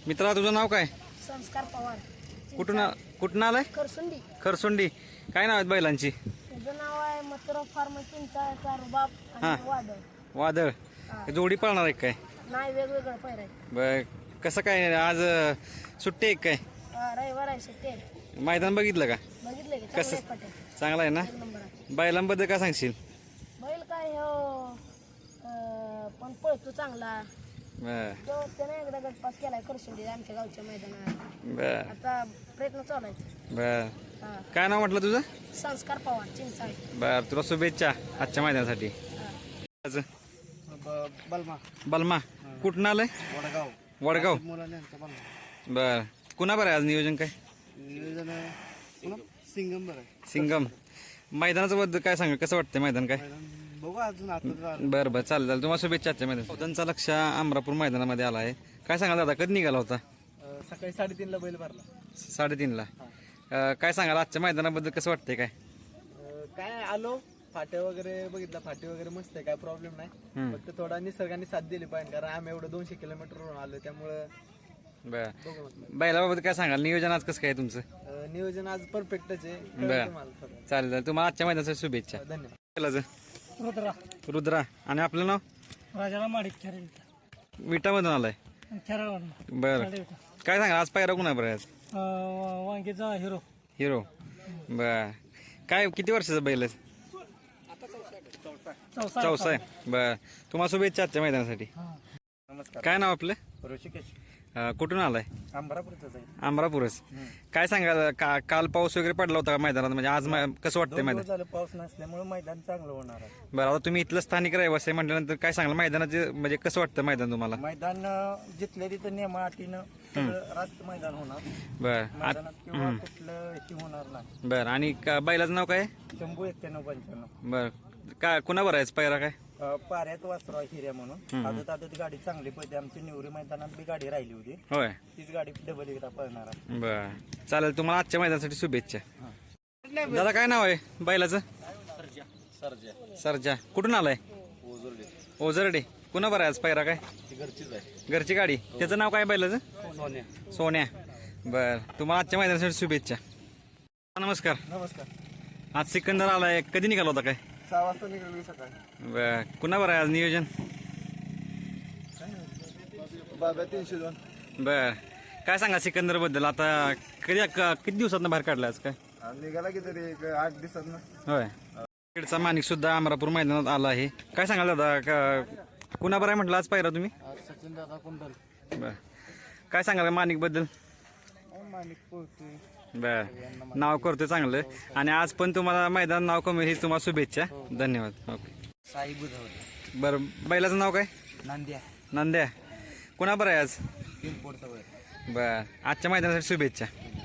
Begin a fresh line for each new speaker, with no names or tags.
मित्रा तुझं नाव काय?
संस्कार पवार.
कुठून आलाय?
करसुंडी.
खरसुंडी. काय नाव आहेत बैलांची?
तुझं नाव आहे मथुरा फार्म चिंचा रुबाब
हा.
आणि वादळ.
वादळ. जोडी पळणार आहे काय?
नाही वेगवेगळं पैर आहे.
बर कसं काय आज सुट्टी आहे काय?
रविवार आहे सुट्टी आहे.
मैदान बघितलं का?
बघितलं की
कसं?
चांगलं आहे पाटे.
चांगला आहे ना?
एक नंबर आहे.
बैलांबद्दल काय सांगशील?
बैल काय हो पण पळतो चांगला.
बर
तो त्याने एकदा गटपास केलाय करसुंडी आमच्या गावच्या मैदानात.
बर
आता प्रयत्न चालू आहे.
बर
हा.
काय नाव म्हटलं तुझं?
संस्कार पवार चिंचा.
बर तुला शुभेच्छा आजच्या मैदानासाठी. आज
बलमा
बलमा कुठून आलंय?
वडगाव
वडगाव.
मुलांनी यांचा बलमा
बर कुणा बरं आहे आज नियोजन काय?
नियोजन सिंगम बरं आहे.
सिंगम. मैदानाचं बद्दल काय सांग कसं वाटतं मैदान काय?
बघू अजून आता
बरं बरं चालेल तुम्हाला शुभेच्छा आजच्या मैदान. त्यांचा लक्ष अमरापूर मैदानामध्ये आला आहे. काय सांगाल दादा कधी निघाला होता?
सकाळी 3:30ला बैल भरला.
3:30ला. काय सांगाल आजच्या मैदानाबद्दल कसं वाटतंय काय?
काय आलो फाटे वगैरे बघितला, फाटे वगैरे मस्त आहे, काय प्रॉब्लेम नाही. फक्त थोडा निसर्गाने साथ दिली पाहिजे, कारण आम्ही एवढं 200 किलोमीटरवरून आलो, त्यामुळं
बरं
बघू म्हटलं.
बैलाबाबत काय सांगाल? नियोजन आज कसं काय तुमचं?
नियोजन आज परफेक्टच आहे.
बरं.
कळलं तुम्हाला थोडं.
चालेल तुम्हाला आजच्या मैदानासाठी शुभेच्छा.
धन्यवाद.
बैलाचं
रुद्रा
रुद्रा. आणि आपलं नाव?
राजाराम माडिक खेळ
विटामधून आलाय.
खेळाडू
बरं काय सांगा आज पायरा कुणा बरं आज?
वांगीचा हिरो.
हिरो. बर काय किती वर्षाचा बैल आहे? चौसा आहे. बर तुम्हाला शुभेच्छा आजच्या मैदानासाठी.
नमस्कार.
काय नाव आपलं?
ऋषिकेश
कुठून आलाय?
अंबरापूरचाच आहे.
अमरापूरच. काय सांगाल काल पाऊस वगैरे पडला होता का मैदानात? म्हणजे आज कसं वाटतंय मैदान?
झालं पाऊस नसल्यामुळे मैदान चांगलं होणार आहे.
बरं आता तुम्ही इथलं स्थानिक रहिवासी आहे म्हटल्यानंतर काय सांगाल मैदानाचे म्हणजे कसं वाटतं मैदान तुम्हाला?
मैदान जिथल्या तिथं नियमा अटीनं सगळं रास्त मैदान होणार.
बर
मैदानात किंवा कुठलं हे होणार नाही.
बर आणि बैलाचं नाव काय?
शंभू 91-95.
बर काय कुणा बरं आहे पायरा काय?
पाऱ्यात वासरा हिऱ्या म्हणून आदत आदत गाडी चांगली पडते. आमची निवरी मैदानात बी गाडी राहिली होती,
होय.
तीच गाडी डबल एकदा पळणार आहे.
बर चालेल तुम्हाला आजच्या मैदानासाठी शुभेच्छा. दादा काय नाव आहे बैलाचं? सरजा. कुठून आलाय? ओझरडे. कुणा बरं आहे आज पायरा काय?
घरचीच आहे.
घरची गाडी. त्याचं नाव काय बैलाचं?
सोन्या.
सोन्या. बर तुम्हाला आजच्या मैदानासाठी शुभेच्छा. नमस्कार.
नमस्कार.
आज सिकंदर आलाय. कधी निघाला होता काय?
6 वाजता निघाली सकाळी.
बर कुणा बरं आहे आज नियोजन?
बाबा 302.
बर काय सांगा सिकंदर बद्दल? आता किती दिवसात बाहेर काढला आज काय?
निघाला की तरी 8 दिवसात ना.
होय. खेडचा माणिक सुद्धा अमरापूर मैदानात आला आहे. काय सांगाल दादा कुणा बरं आहे म्हटलं आज पाहिला तुम्ही?
सचिन दादा कुंडल.
बर काय सांगाल माणिक बद्दल?
माणिक पोहतोय.
बर नाव करतोय चांगलं. आणि आज पण तुम्हाला मैदान नाव कमी ही तुम्हाला शुभेच्छा. धन्यवाद. ओके.
साई बुधवते.
बरं बैलाचं नाव काय?
नांद्या.
नंद्या. कुणा बरं आहे आज?
पिंपोडचा बैल.
बर आजच्या मैदानासाठी शुभेच्छा.